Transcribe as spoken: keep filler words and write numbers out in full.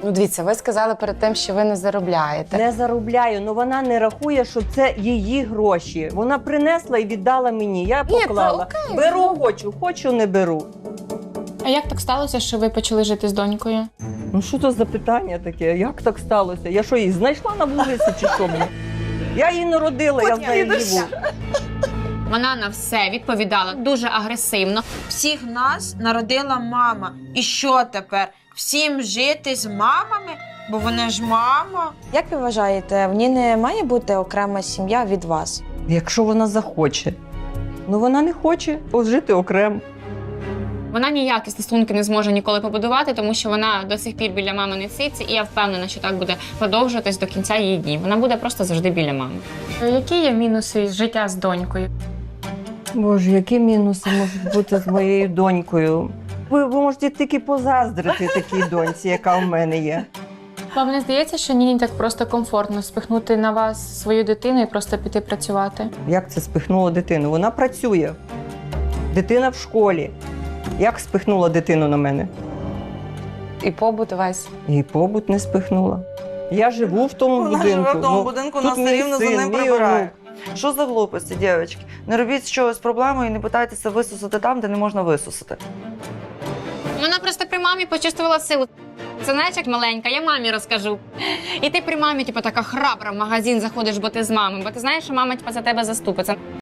Ну, дивіться, ви сказали перед тим, що ви не заробляєте. Не заробляю, але вона не рахує, що це її гроші. Вона принесла і віддала мені. Я Ні, поклала. це окей. Беру, хочу, хочу, не беру. А як так сталося, що ви почали жити з донькою? Ну що це за питання таке? Як так сталося? Я що, її знайшла на вулиці чи що мені? Я її народила, я з нею живу. Вона на все відповідала дуже агресивно. Всіх нас народила мама. І що тепер? Всім жити з мамами? Бо вона ж мама. Як ви вважаєте, в ній не має бути окрема сім'я від вас? Якщо вона захоче. Ну вона не хоче жити окремо. Вона ніякі стосунки не зможе ніколи побудувати, тому що вона до сих пір біля мами не ситься, і я впевнена, що так буде продовжуватись до кінця її днів. Вона буде просто завжди біля мами. Які є мінуси життя з донькою? Боже, які мінуси можуть бути з моєю донькою? Ви, ви можете тільки позаздрити такій доньці, яка в мене є. Вам не здається, що Ніні так просто комфортно спихнути на вас свою дитину і просто піти працювати? Як це спихнуло дитину? Вона працює. Дитина в школі. Як спихнула дитину на мене? І побут весь. І побут не спихнула. Я живу в тому Вона будинку. живе в тому Ну, будинку, тут вона все мій рівно за син, ним мій прибирає. онук. Що за глупості, дівчатки? Не робіть щось з проблемою і не питайтеся висусити там, де не можна висусити. Вона просто при мамі почувствувала силу. Це знаєш, як маленька, я мамі розкажу. І ти при мамі, типу, така храбра в магазин заходиш, бо ти з мамою, бо ти знаєш, що мама типу, за тебе заступиться.